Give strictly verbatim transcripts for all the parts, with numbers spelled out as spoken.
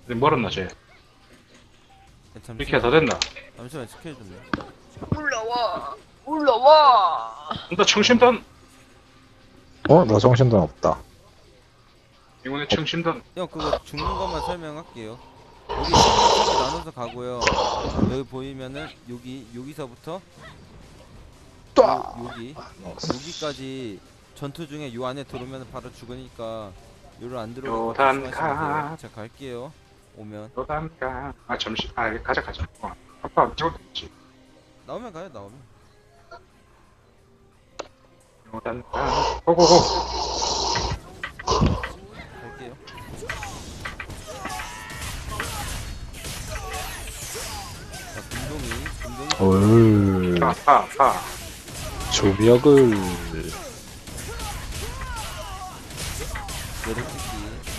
멀었나 쟤. 잠시만. 이렇게 다 됐나? 잠시만 지켜줄래? 올라와 올라와. 나 청심단. 어? 나 정신돈 없다. 이번에 청심단. 형 그거 죽는 것만 설명할게요. 여기 서로 나눠서 가고요. 여기 보이면은 여기 여기서부터 요, 여기 여기까지 전투 중에 요 안에 들어오면 바로 죽으니까 요를 안 들어오고 요단가. 조심하시면 돼요. 자 갈게요. 오면 너단가. 아 잠시. 아 가자 가자. 어. 아빠 안 찍었지. 나오면 가요. 나오면. 요단가. 고고고. 갈게요. 자 금동이 금동이 얼. 아빠 아빠. 조벽을. 내려찍기.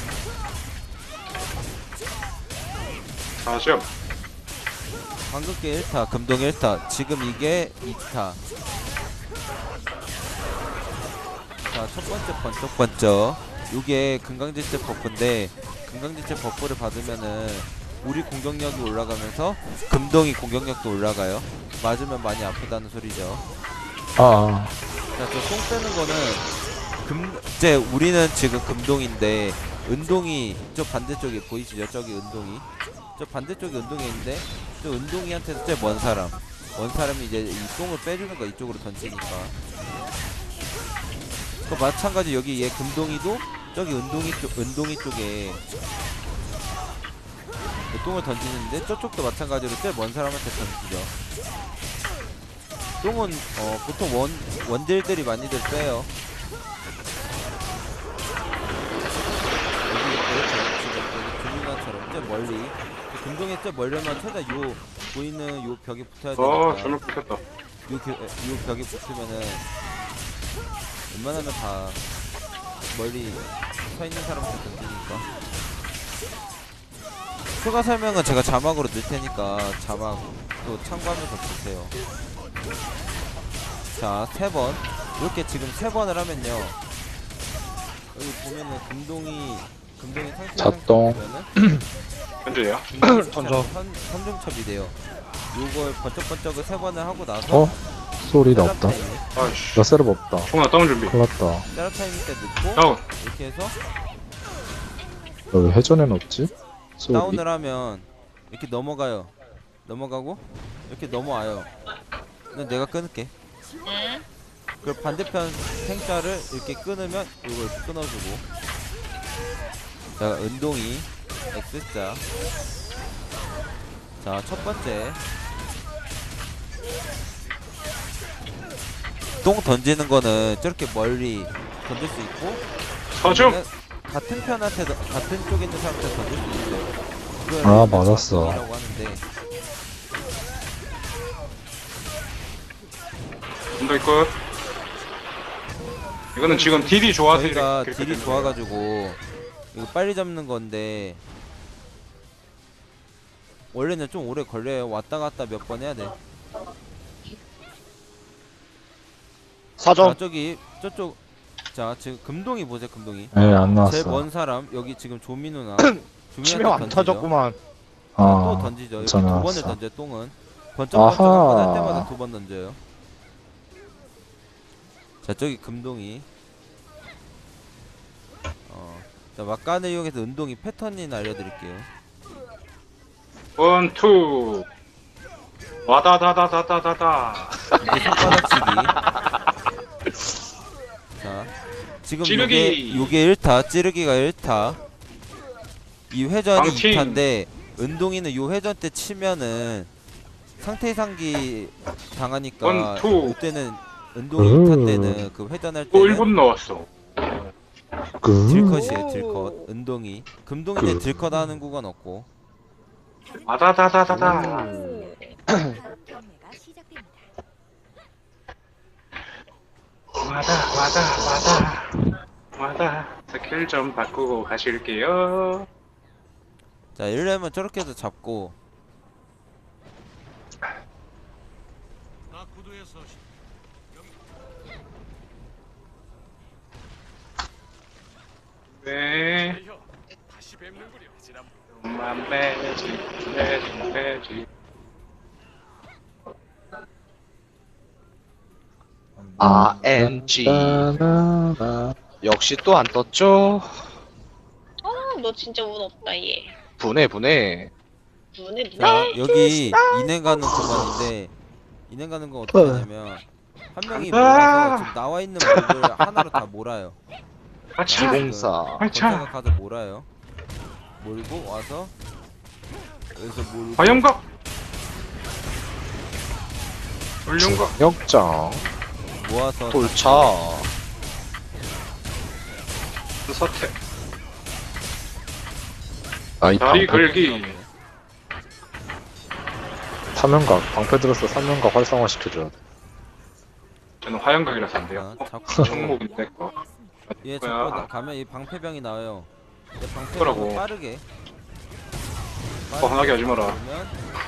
사점. 황금계 일 타, 금동 일 타. 지금 이게 이 타. 자, 첫 번째 번쩍 번쩍. 요게 금강지체 버프인데 금강지체 버프를 받으면은 우리 공격력이 올라가면서 금동이 공격력도 올라가요. 맞으면 많이 아프다는 소리죠. 아, 자, 저 똥 빼는 거는 금 이제 우리는 지금 금동인데 은동이 저 반대쪽에 보이시죠? 저기 은동이. 저 반대쪽에 은동이 있는데 저 은동이한테서 제일 먼 사람. 먼 사람이 이제 이 똥을 빼주는 거 이쪽으로 던지니까. 그 마찬가지 여기 얘 금동이도 저기 은동이 쪽 은동이 쪽에 그 똥을 던지는데 저쪽도 마찬가지로 제일 먼 사람한테 던지죠. 똥은 어 보통 원 원딜들이 많이들 빼요. 여기 이렇게 지금 여기 금융관처럼 좀 멀리 금동에 좀 멀리만 최대 요 보이는 요 벽에 붙어야 어 되니까 전을 붙였다. 요, 겨, 요 벽에 붙으면은 웬만하면 다 멀리 서 있는 사람한테 던지니까. 추가 설명은 제가 자막으로 넣을 테니까 자막도 참고하면서 보세요. 자, 세 번. 이렇게 지금 세 번을 하면요. 여기 보면은 금동이 금동이 상태 자똥. 보면은 현재야. 던져 삼중첩이 돼요. 요걸 번쩍번쩍을 세 번을 하고 나서 어? 소리가 없다. 아이씨. 나 셋업 없다. 총나 다운 준비. 큰일 났다. 세라 타이밍 때 넣고 다운. 이렇게 해서 왜 회전에는 없지? 소리. 다운을 하면 이렇게 넘어가요. 넘어가고 이렇게 넘어와요. 근데 내가 끊을게. 응? 그리고 반대편 생자를 이렇게 끊으면 이걸 끊어주고. 자, 은동이 X자. 자, 첫 번째 똥 던지는 거는 저렇게 멀리 던질 수 있고 사점. 아니면 같은 편한테 같은 쪽에 있는 사람한테 던질 수 있어요. 그걸 아, 우리가 맞았어. 자동이라고 하는데 좀더 있고. 이거는 지금 딜이 좋아서 저희가 이렇게 딜이 되는 거예요. 좋아가지고 이거 빨리 잡는 건데 원래는 좀 오래 걸려요. 왔다 갔다 몇 번 해야 돼. 사점. 자, 저기 저쪽 자 지금 금동이 보세요. 금동이 예, 안 제일 나왔어. 먼 사람 여기 지금 조민우나 치명 조민한테 안 던지죠. 터졌구만. 또 아, 던지죠. 여기 두 괜찮아, 번을 알았어. 던져요. 똥은 번쩍번쩍 아하. 한 번 할 때마다 두 번 던져요. 자 저기 금동이 어, 자 막간을 이용해서 은동이 패턴이나 알려드릴게요. 원, 투. 와다다다다다다다. 이게 손바닥치기. 자 지금 찌르기. 요게 요게 일 타 찌르기가 일 타 이 회전이 방침. 이 타인데 은동이는 요 회전 때 치면은 상태 상기 당하니까 원, 투. 이때는 은동이 이 타 음. 때는 그 회전할 또 때는 일 분 넣었어. 그. 딜컷이에요. 딜컷 은동이 금동인데 그. 딜컷 하는 구간 없고. 와다다다다다. 와다 와다 와다 와다. 스킬 좀 바꾸고 가실게요. 자 이러려면 저렇게 해서 잡고 네. 만 매지 매지 매지. 아엔지. 나나나. 역시 또 안 떴죠? 어너 진짜 운 없다 얘. 분해, 분해. 분해 분해. 자 여기 인행 가는 구간인데 인행 가는 건 어떻게 하냐면 한 명이 몰아서 지금 나와 있는 몹을 하나로 다 몰아요. 아차. 기공사. 아차. 전사가 카드 몰아요. 몰고 와서 여기서 몰고 화염각. 훌륭각. 역장. 모아서 돌차. 서태. 아이 다리 방패 걸기. 사면각 방패 들어서 사면각 활성화 시켜줘야 돼. 저는 화염각이라서 안 돼요. 자, 어? 잡고 청목인데 거. 얘 뭐야? 잡고 가면 이 방패병이 나와요. 얘 뭐라고? 방패병을 빠르게 뻔하게 하지 마라. 돌면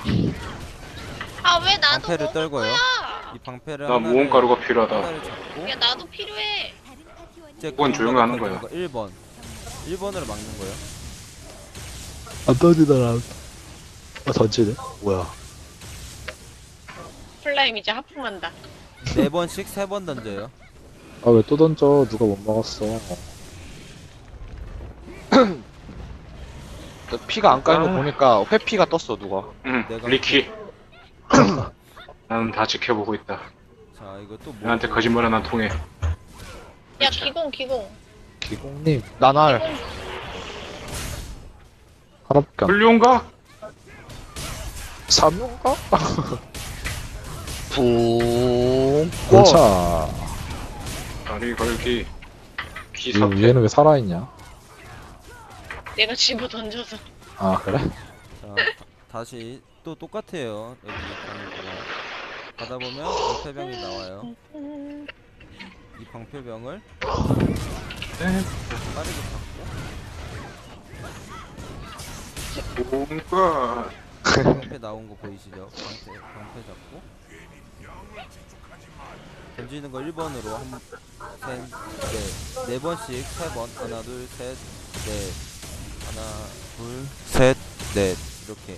아 왜 나도 방패를 먹을 떨궈요. 거야? 이 방패를 나 하나를, 무언가루가 필요하다. 하나를 잡고 야 나도 필요해. 이제 그건 조용히 하는 거야. 일 번 일 번으로 막는 거예요. 안 던지더라. 아 던지네. 뭐야? 플라임 이제 하품한다. 네 번씩 세 번 던져요. 아 왜 또 던져? 누가 못 막았어? 저 피가 안 까는 거 아. 보니까 회피가 떴어, 누가. 응. 내가- 리키. 나는 다 지켜보고 있다. 자 이거 또 뭐? 나한테 거짓말은 안 통해. 야 기공 기공. 기공님 나날. 하나밖에 안. 훌륭각. 사면각? 붕. 골차. 다리 걸기. 이 기사태. 얘는 왜 살아있냐? 내가 집어 던져서. 아 그래? 자 다- 다시 또 똑같아요. 여기 가는 동안 가다 보면 방패병이 나와요. 이 방패병을 네. 빠르게 잡고 뭔가. 방패 나온 거 보이시죠? 방패 방패 잡고 던지는 거 일 번으로 한, 셋, 넷, 네 번씩 세 번 하나 둘 셋 넷 하나 둘 셋 넷 이렇게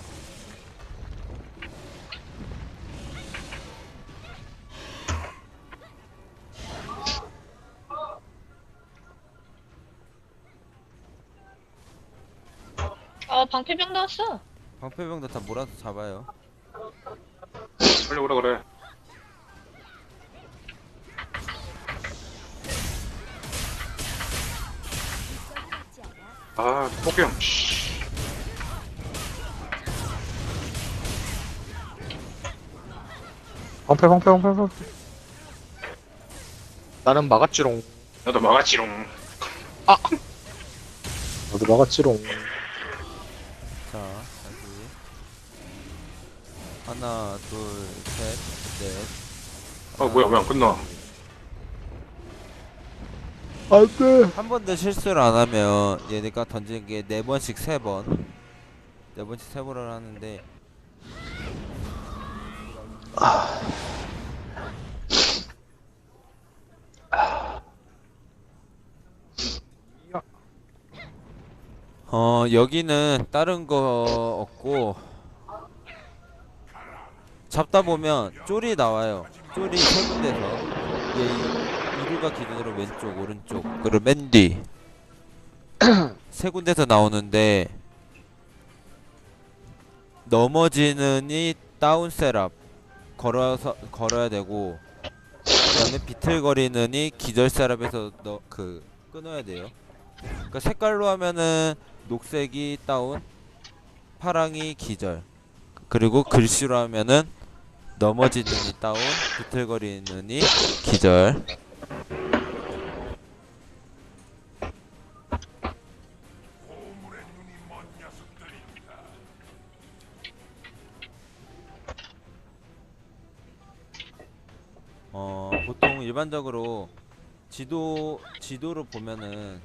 아 방패병 나왔어. 방패병도 다 몰아서 잡아요. 빨리 오라 그래. 아, 폭병. 씨. 방패 방패 방패 방패. 나는 막았지롱. 나도 막았지롱. 너도 막았지롱. 자 다시 하나 둘셋넷 어, 뭐야, 왜 안 끝나? 안돼. 한 번도 실수를 안 하면 얘네가 던지는 게 네 번씩 세 번, 네 번씩 세 번을 하는데 어 여기는 다른 거 없고 잡다 보면 쫄이 나와요. 쫄이 세 군데서 얘 이루가 기준으로 왼쪽 오른쪽 그리고 맨 뒤 세 군데서 나오는데 넘어지는이 다운 셋업 걸어서 걸어야 되고 그다음에 비틀거리는이 기절 셋업에서 너 그 끊어야 돼요. 그러니까 색깔로 하면은 녹색이 다운, 파랑이 기절, 그리고 글씨로 하면은 넘어지는이 다운, 비틀거리는이 기절. 어 보통 일반적으로 지도 지도로 보면은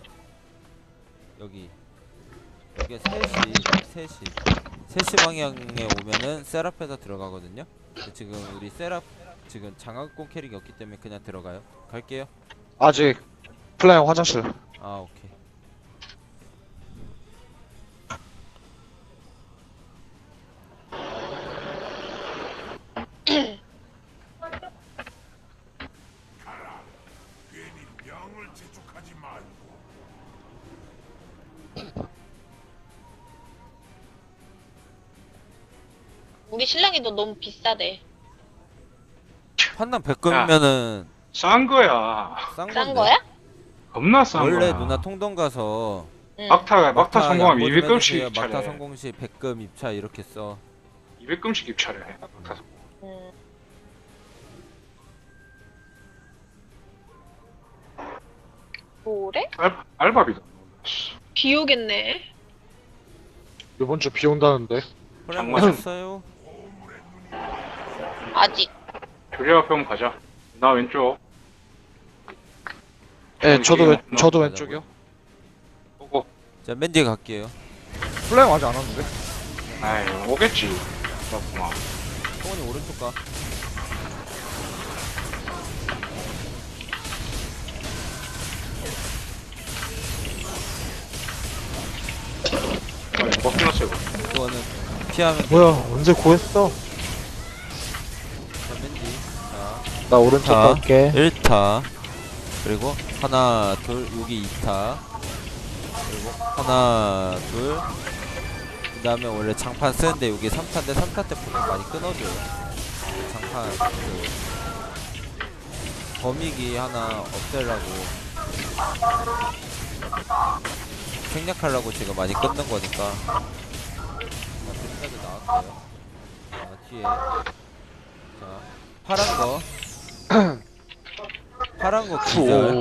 여기 이게 세 시 세 시 세 시 방향에 오면은 세라페서 들어가거든요. 근데 지금 우리 세라 지금 장학금 캐릭이 없기 때문에 그냥 들어가요. 갈게요. 아직 플라잉 화장실. 아 오케이. 우리 신랑이 너 너무 비싸대. 판단 백금이면은 싼 거야. 싼 건데. 싼 거야? 겁나 싼 거야. 원래 누나 통동 가서 응. 막타 막타 성공하면 양보 좀 이백 금씩 해주세요. 막타 입찰해. 성공 시 백금 입차 이렇게 써. 이백 금씩 입찰해. 막타 성공. 응. 뭐래? 알 알바비다. 비 오겠네. 이번 주 비 온다는데. 그래 장마. 하셨어요? 아직. 조리 앞에 한번 가자. 나 왼쪽. 예, 저도 왼, 어, 저도 맞아, 왼쪽이요. 보고. 자 맨 뒤에 갈게요. 플레잉 아직 안 왔는데. 아이 오겠지. 그렇구만. 성원이 오른쪽 가. 아이 뭐 끝났어 이거. 이거는 피하면 돼. 뭐야 언제 구했어? 자, 맨 뒤. 자, 나 오른쪽 자. 갈게. 일 타. 그리고 하나, 둘, 여기 이 타. 그리고 하나, 둘. 그 다음에 원래 장판 쓰는데 여기 삼 타인데 삼 타 때 보통 많이 끊어줘요. 그 장판, 그, 범위기 하나 없애려고. 생략하려고 지금 많이 끊는 거니까. 자, 여기까지 나왔어요. 자, 뒤에. 자, 파란 거. 파란 거 기절.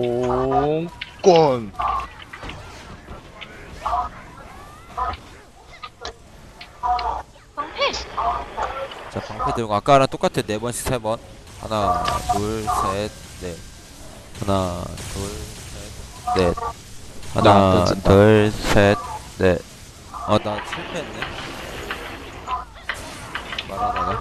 권. 방패. 자, 방패 들고 아까랑 똑같아. 네 번씩 세 번. 하나, 둘, 셋, 넷. 하나, 둘, 셋, 넷. 나안 하나, 던진다. 둘, 셋, 넷. 어, 나 실패했네. 말하다가.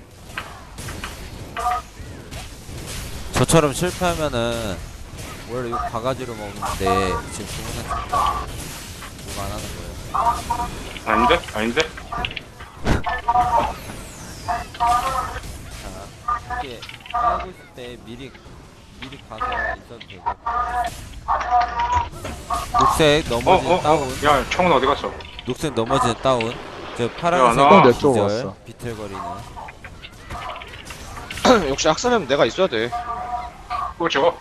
저처럼 실패하면은 원래 요 바가지로 먹는데 지금 주문한 친구가 뭐가 안 하는 거예요. 아닌데? 아닌데? 자, 이게 하고 있을 때 미리 미리 가서 있어도 되고. 녹색 어 넘어진 어 다운. 어. 야 청은 어디 갔어? 녹색 넘어진 다운. 저 야, 파란색 나- 내 쪽 기절. 왔어. 비틀거리는. 역시 학살하면 내가 있어야 돼. 그거 줘.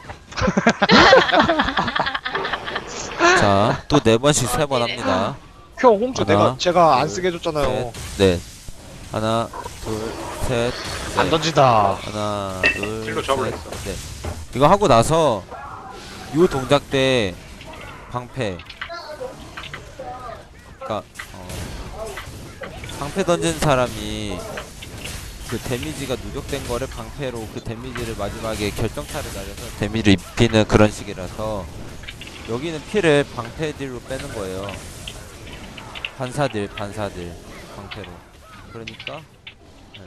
자, 또 네 번씩 세 번 합니다. 형 홈즈 하나, 내가 제가 안 둘, 쓰게 해줬잖아요. 셋, 넷. 하나, 둘, 셋, 안 넷. 던진다. 하나, 둘, 찔러 셋, 잡으랬어. 넷. 이거 하고 나서 요 동작 때 방패. 그니까 어, 방패 던진 사람이 그 데미지가 누적된 거를 방패로 그 데미지를 마지막에 결정타를 날려서 데미지를 입히는 그런 식이라서 여기는 피를 방패 딜로 빼는 거예요. 반사딜, 반사딜 방패로. 그러니까 네.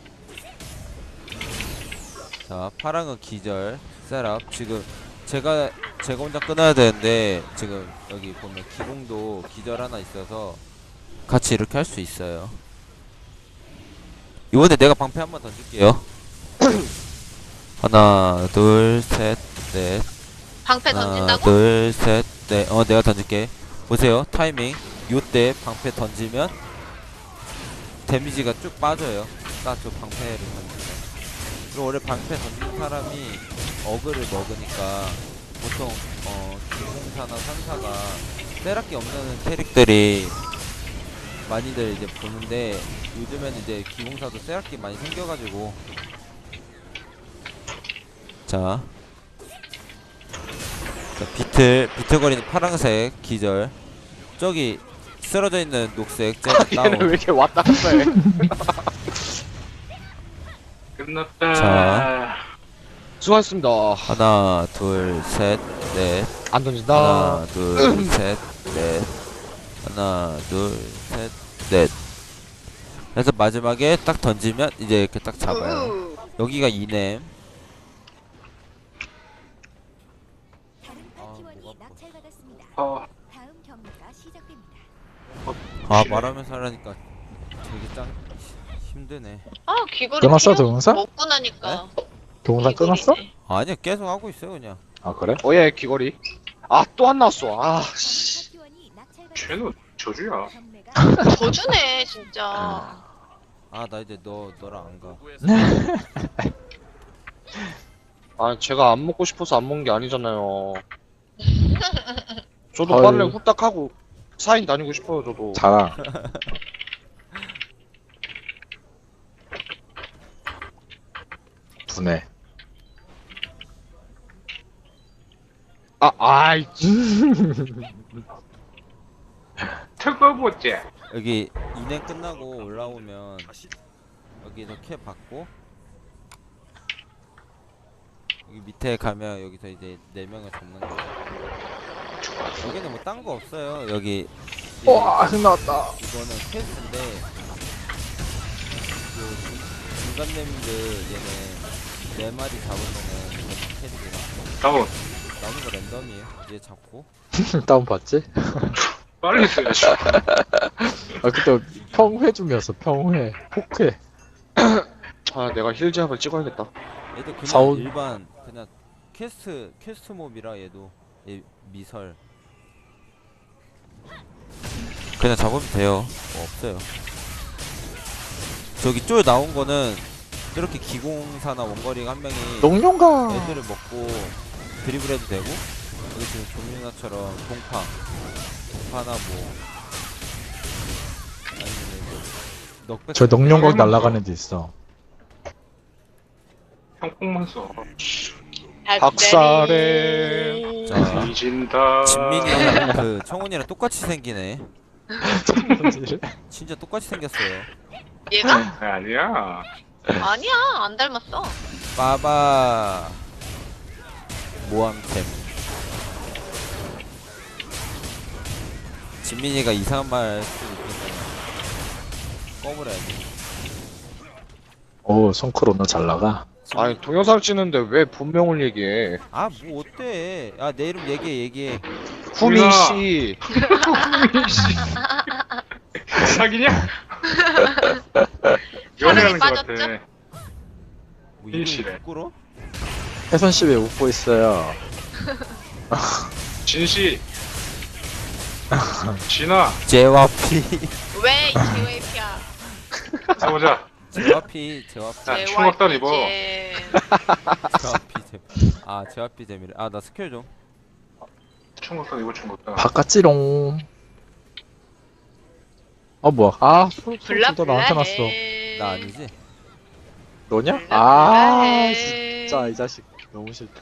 자, 파랑은 기절, 셋업. 지금 제가 제가 혼자 끊어야 되는데 지금 여기 보면 기공도 기절 하나 있어서 같이 이렇게 할 수 있어요. 이번에 내가 방패 한번 던질게요. 하나, 둘, 셋, 넷. 방패 하나, 던진다고? 둘, 셋, 넷. 어, 내가 던질게. 보세요, 타이밍. 요때 방패 던지면 데미지가 쭉 빠져요. 딱 저 방패를 던지면. 그리고 원래 방패 던진 사람이 어그를 먹으니까 보통 어 기공사나 산사가 세락기 없는 캐릭들이 많이들 이제 보는데 요즘에는 이제 기공사도 세락기 많이 생겨가지고. 자, 자 비틀 비틀거리는 파란색 기절. 저기 쓰러져 있는 녹색 쟤 얘는 왜 다운. 이렇게 왔다 갔다 해? 끝났다. 자. 수고하셨습니다. 하나, 둘, 셋, 넷. 안 던진다. 하나, 둘, 셋, 넷. 하나, 둘, 셋, 넷. 그래서 마지막에 딱 던지면 이제 이렇게 딱 잡아요. 으. 여기가 이넴. 다른 아, 파티원이 목 아파. 낙찰받았습니다. 어, 다음 경기가 시작됩니다. 아, 말하면서 하려니까 되게 짱 힘드네. 아 귀걸이 끊었어, 필요 동영상? 먹고 나니까. 동영상 끊었어? 귀걸이네. 아니야, 계속 하고 있어요, 그냥. 아 그래? 어예 귀걸이. 아 또 안 나왔어. 아 씨. 파티원이 쟤는 낙찰받았습니다. 저주야. 경매가 저주네 진짜. 아 나 이제 너 너랑 안 가. 아 제가 안 먹고 싶어서 안 먹는 게 아니잖아요. 저도 아유. 빨래 후딱 하고 사인 다니고 싶어요 저도. 자랑. 분해. 아 아이 특어보지. 여기 인행 끝나고 올라오면 여기서 캐 받고 여기 밑에 가면 여기서 이제 네 명을 잡는 거. 여기는 뭐 딴 거 없어요. 여기 와, 흥 나왔다. 이거는 퀘스트인데 그 중- 중간님들 얘는 네 마리 잡으면은 캐릭이랑 다운. 나오는 거 랜덤이에요. 얘 잡고 다운 봤지? 빨리 써야지. 아, 그때 평회 중이었어, 평회. 폭회. 아 내가 힐제압을 찍어야겠다. 얘도 그냥 사온- 일반 그냥 퀘스트 퀘스트 몹이라 얘도 얘 미설 그냥 잡으면 돼요. 뭐 없어요. 저기 쫄 나온 거는 이렇게 기공사나 원거리 한 명이 농룡가. 애들을 먹고 드리블 해도 되고 여기 지금 조민아처럼 동파 동파나 뭐 아니면 뭐 넉백 저 농룡각 농룡각 날아가는 데 있어. 형폭만 써. 박사래. 자 뒤진다. 진민이랑 그 청훈이랑 똑같이 생기네. 진짜 똑같이 생겼어요. 얘가? 아니야. 아니야, 안 닮았어. 빠바 모함템. 진민이가 이상한 말 할 수도 있겠네. 꺼버려야지. 오, 손크로 너 잘 나가. 아니 동영상 찍는데 왜 본명을 얘기해? 아 뭐 어때? 아 내 이름 얘기해 얘기해. 후미 뭐야? 씨. 사기냐? 연애하는 것 빠졌죠? 같아. 뭐 일시래. 이름 부끄러? 혜선 씨 왜 웃고 있어요? 진씨. 진아. 제와피 왜 제이웨이피야? 싸보자. 제와피 제와피 자, 충격단 입어. 제와피 제. 아 제와피 재미래. 아 나 스킬 좀. 충격단 이거 충격단. 바깥지롱. 어, 뭐야. 아, 소리 블라 도 블라 나한테 났어. 해. 나 아니지? 너냐? 블라 아, 블라해. 진짜 이 자식 너무 싫다.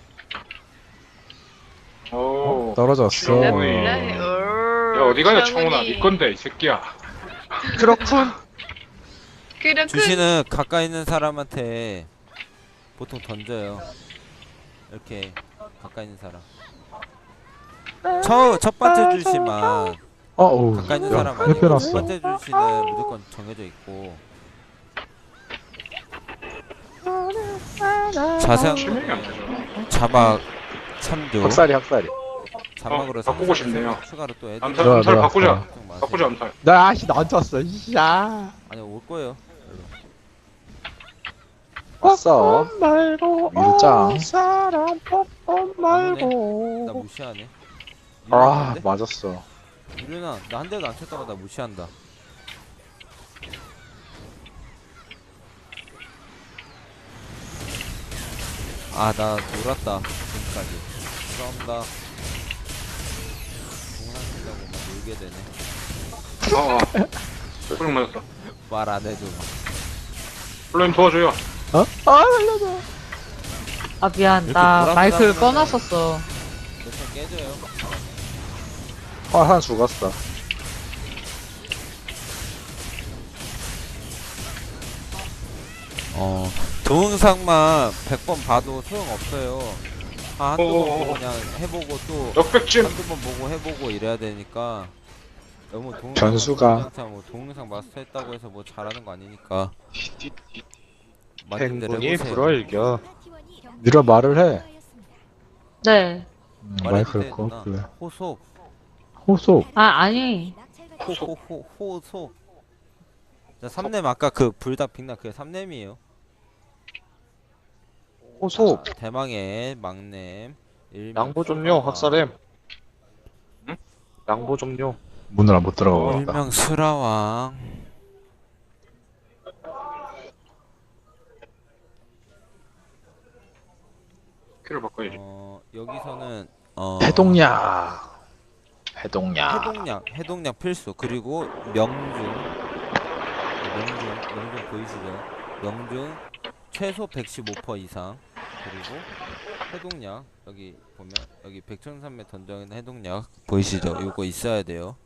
오. 어? 떨어졌어. 블라 블라해. 야 어디 가냐 청훈아. 네 건데 이 새끼야. 그렇군. 그렇군. 주시는 가까이 있는 사람한테 보통 던져요. 이렇게 가까이 있는 사람. 첫, 첫 번째 주시만 어, 오. 가까이 있는 야, 사람 아니고 첫 흡연났어. 번째 주시는 무조건 정해져 있고 자세한 실명이 안 거는 되죠. 자막 참조 학살이, 학살이. 자막으로 어, 바꾸고 삼 분 싶네요. 추가로 또 애들 암살 좋아, 암살 좋아. 바꾸자. 걱정 마세요. 바꾸자 암살. 나, 아씨, 나한테 왔어. 이야. 아니 올 거예요. 왔어. 말고 위로 짱. 사람 뻔뻔 말고. 나 무시하네. 아, 유련한데? 맞았어. 유련아 나 한 대도 안 쳤다가 나 무시한다. 아 나 놀았다 지금까지. 죄송합니다. 동상 쓴다고 막 놀게 되네. 어. 어. 소리 맞았어. 말 안 해도. 플레임 도와줘요. 어? 아, 살려줘. 아 미안 이렇게 나 보라색 마이크를 하면은- 꺼놨었어. 몇번 깨져요. 아, 하나 죽었어. 어 동영상만 백 번 봐도 소용없어요. 아, 한두 번 어어어. 보고 그냥 해보고 또 역백진. 한두 번 보고 해보고 이래야 되니까 너무 동영상 변수가. 동영상, 뭐 동영상 마스터했다고 해서 뭐 잘하는 거 아니니까 맞는 대로 행운이 해보세요. 불어일겨. 네가 말을 해. 네. 음, 말해도 마이크를 돼, 꺼. 누나. 그래. 호소 호소. 아 아니 호호호 호소. 자 삼렘 아까 그 불닭 빅나 그 삼렘이에요. 호소. 대망의 막냄. 일명 양보 좀요 수라와. 학살엠. 응? 양보 좀요. 문을 못 들어가겠다. 일명 수라왕. 스킬을 바꿔야지. 어 여기서는 어 해동약. 해동약. 해동약 해동약 필수. 그리고 명중 명중 명중 보이시죠? 명중 최소 백십오 퍼센트 이상. 그리고 해동약 여기 보면 여기 백천삼백 던져있는 해동약 보이시죠? 이거 있어야 돼요.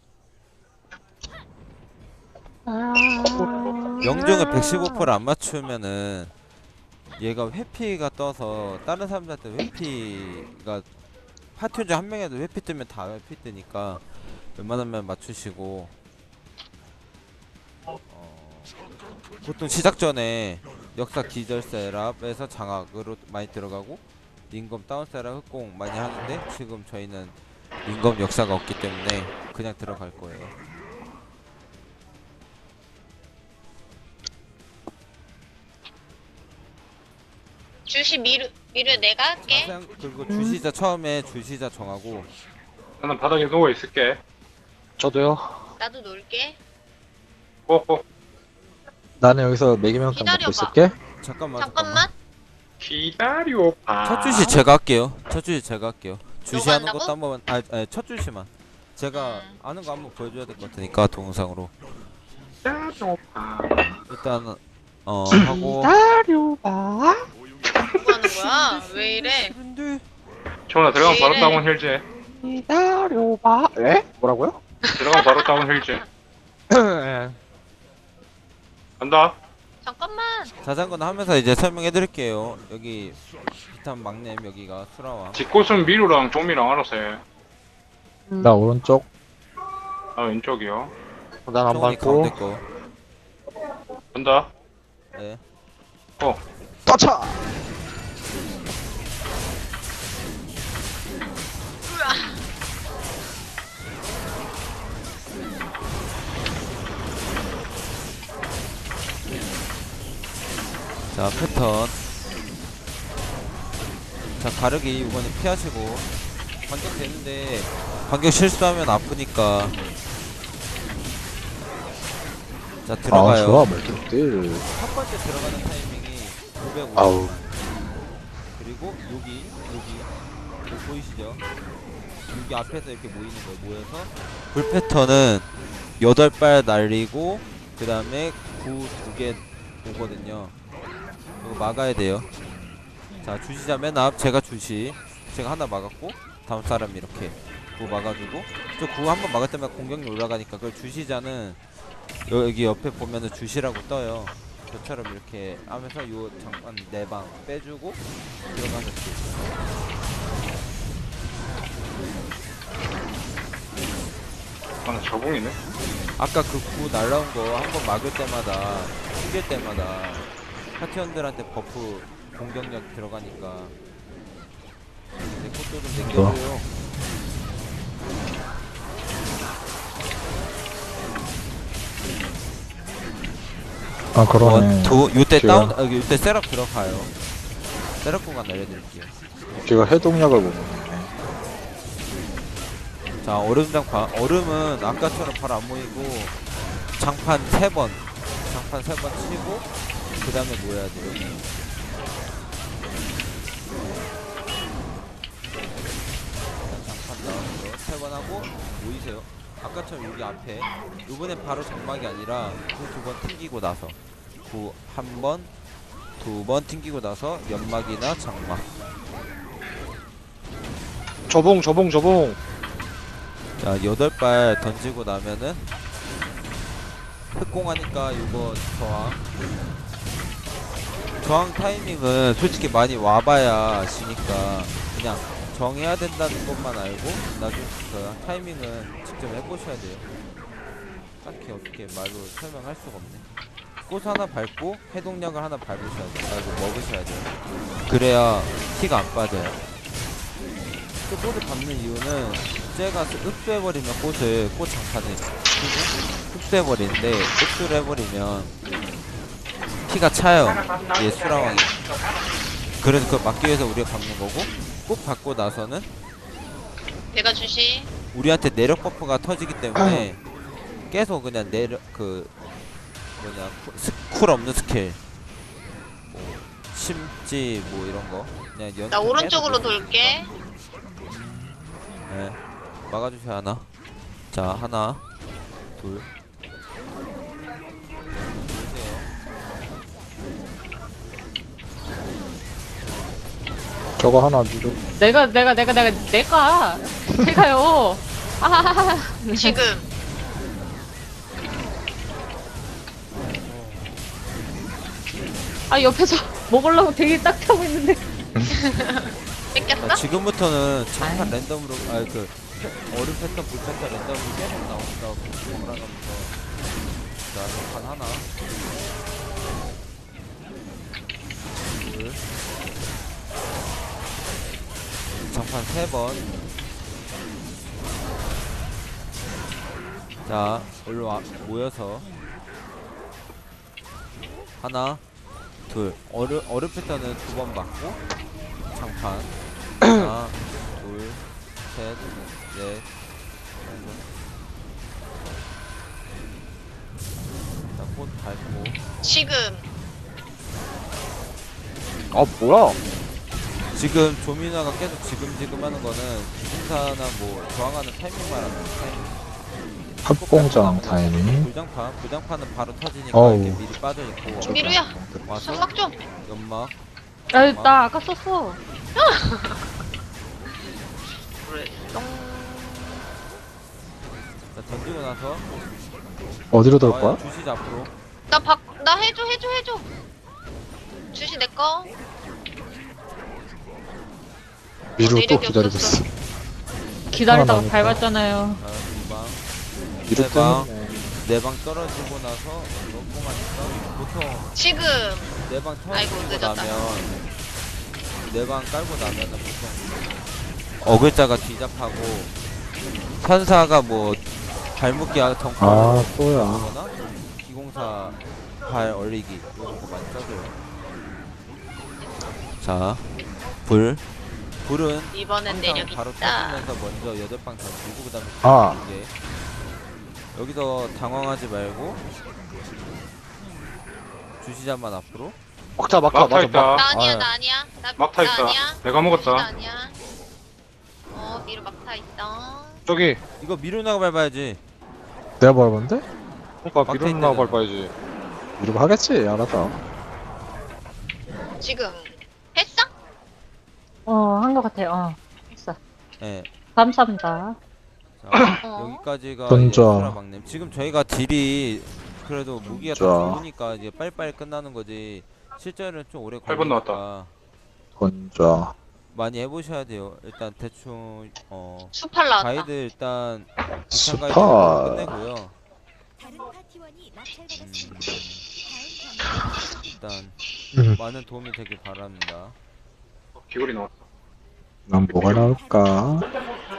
명중을 백십오 퍼센트 안 맞추면은 얘가 회피가 떠서 다른 사람들한테 회피가 파티 중 한 명이라도 회피 뜨면 다 회피 뜨니까 웬만하면 맞추시고 어, 보통 시작 전에 역사 기절 셋업에서 장악으로 많이 들어가고 링검 다운 셋업 흑공 많이 하는데 지금 저희는 링검 역사가 없기 때문에 그냥 들어갈 거예요. 주시 미르 미르 내가 할게. 자세한 그리고 주시자 처음에 주시자 정하고 나는 바닥에 누워 있을게. 저도요. 나도 놀게. 꼬꼬. 나는 여기서 매기명탕 기다려봐. 먹고 있을게. 잠깐만 잠깐만. 기다려 봐. 첫 주시 제가 할게요. 첫 주시 제가 할게요. 주시하는 한다고? 것도 한번 아, 아니 첫 주시만 제가 음. 아는 거 한번 보여줘야 될 것 같으니까 동영상으로 기다려 봐. 일단 어 하고 뭐 하는 거야? 왜 이래? 정훈아 들어가면 바로 왜 이래? 다운 힐제. 기다려봐. 에? 뭐라고요? 들어가면 바로 다운 힐제. 간다. 잠깐만. 자전거는 하면서 이제 설명해 드릴게요. 여기 비탄 막냄 여기가 수라왕 뒷곳은 미루랑 종미랑 알아서 해. 나 오른쪽. 나 왼쪽이요. 난 안 정원이 가운데 밟고. 거 간다. 네. 어. 떠차. 자 패턴 자 가르기 이번에 피하시고 반격 되는데 반격 실수하면 아프니까 자 아, 들어가요. 좋아. 멀티딜. 첫 번째 들어가는 타이밍이 오백오십 아우. 그리고 여기 여기 여기 보이시죠? 여기 앞에서 이렇게 모이는 거예요. 모여서 불 패턴은 여덟 발 날리고 그 다음에 구 두 개 오거든요. 이거 막아야 돼요. 자 주시자 맨 앞 제가 주시 제가 하나 막았고 다음 사람 이렇게 구 막아주고 저 구 한번 막을 때마다 공격력 올라가니까 그걸 주시자는 여기 옆에 보면은 주시라고 떠요. 저처럼 이렇게 하면서 요 장판 네 방 빼주고 들어가는 줄. 아, 나 저봉이네. 아까 그 구 날라온 거 한 번 막을 때마다 숨길 때마다 파티원들한테 버프 공격력 들어가니까 내 것도 좀 챙겨줘요. 아, 그러네. 원, 투, 요때 제가- 다운, 아, 요때 셋업 들어가요. 셋업 공간 날려드릴게요. 제가 해동약을 못 먹네. 자, 얼음 장판. 얼음은 아까처럼 바로 안 모이고, 장판 세 번. 장판 세 번 치고, 그 다음에 모여야 돼요. 장판 나왔어요. 세 번 하고, 모이세요. 아까처럼 여기 앞에. 요번엔 바로 장막이 아니라, 구 두 번 튕기고 나서. 구 한 번, 두 번 튕기고 나서, 연막이나 장막. 저봉 저봉 저봉. 자, 여덟 발 던지고 나면은 흑공하니까 이거 저항 저항 타이밍은 솔직히 많이 와봐야 아시니까 그냥 정해야 된다는 것만 알고 나중에 그 타이밍은 직접 해보셔야 돼요. 딱히 어떻게 말로 설명할 수가 없네. 꽃 하나 밟고 해동약을 하나 밟으셔야 돼요. 아이고 먹으셔야 돼요. 그래야 피가 안 빠져요. 또 꽃을 밟는 이유는 쟤가 흡수해버리면 꽃을 꽃 장판을 흡수해버리는데 흡수를 해버리면 피가 차요. 얘 수라왕이. 그래서 그걸 막기 위해서 우리가 밟는 거고 꽃 밟고 나서는 내가 주시. 우리한테 내력 버프가 터지기 때문에 계속 그냥 내력 그 뭐냐 쿨, 스- 쿨 없는 스킬 뭐 심지 뭐 이런 거 그냥 연. 나 오른쪽으로 돌게. 네. 막아주세요 하나. 자 하나, 둘. 보세요. 저거 하나 미루. 내가, 내가, 내가, 내가, 내가. 제가요. 아하하하. 지금. 아, 옆에서 먹으려고 되게 딱 타고 있는데. 뺏겼어? 자, 지금부터는 장판 랜덤으로 아그 얼음 패턴, 불 패턴 랜덤으로 계속 나온다고 돌아가면서. 자 장판 하나, 둘, 장판 세 번. 자 올라와 모여서 하나, 둘. 얼음 얼음 패턴은 두 번 받고 장판 하나, 둘, 셋, 넷, 자, 꽃 밟고. 지금. 아 뭐야? 지금 조민아가 계속 지금지금 하는 거는 기승사나 뭐 저항하는 타이밍 말하는 타이밍. 합공장 타이밍. 불장판, 불장판은 바로 터지니까 어우. 이렇게 미리 빠져 있고. 미루야. 와서 연막 좀. 연막. 아, 나 아까 썼어. 그래. 자 던지고 나서 어디로 돌 나와요. 거야? 주시 앞으로. 나 바, 나 해줘, 해줘, 해줘. 주시 내 거. 미루 또 내력이 기다리고 없었어. 있어. 기다리다가 하나 밟았잖아요. 자 두방. 미루 네 방. 때문에. 네 방 떨어지고 나서 넘고만 있어. 보통 지금. 네 방 아이고, 터지고 늦었다. 나면 네 방 깔고 나면은 보통 어글자가 뒤잡하고 천사가 뭐 발목기 덩크 아 또야. 거나 기공사 발 얼리기 이런 거 많이 써줘요. 자, 불. 불은 이번엔 항상 내력 바로 있다. 터지면서 먼저 여덟 방 던지고 그다음에 아. 두 개. 여기서 당황하지 말고 주시자만 앞으로. 막타 막타 막타 맞아 있다. 막. 나 아니야, 아, 나 아니야. 나, 막타 나 있다. 아니야. 내가 먹었다. 나 아니야. 어, 미루 막타 있다. 저기 이거 미루나가 밟아야지. 내가 밟았는데? 그러니까 막타 미루나 있대잖아. 밟아야지. 미루 하겠지 알아서. 지금. 했어? 어, 한 것 같아요. 어. 했어. 예. 감사합니다. 자, 어. 여기까지가 던져. 예수라 막냄. 지금 저희가 딜이 그래도 무기가 다 던져. 좋으니까 이제 빨리빨리 끝나는 거지. 실제로는 좀 오래 팔 번 걸리니까 던져. 많이 해보셔야 돼요. 일단 대충 어 수팔 나왔다. 가이드 일단 부산 가이드 스파. 끝내고요. 다른 파티원이 음, 낙찰받았습니다. 다음 경기 일단 음. 많은 도움이 되길 바랍니다. 귀걸이 나왔다. 난 뭐가 나올까?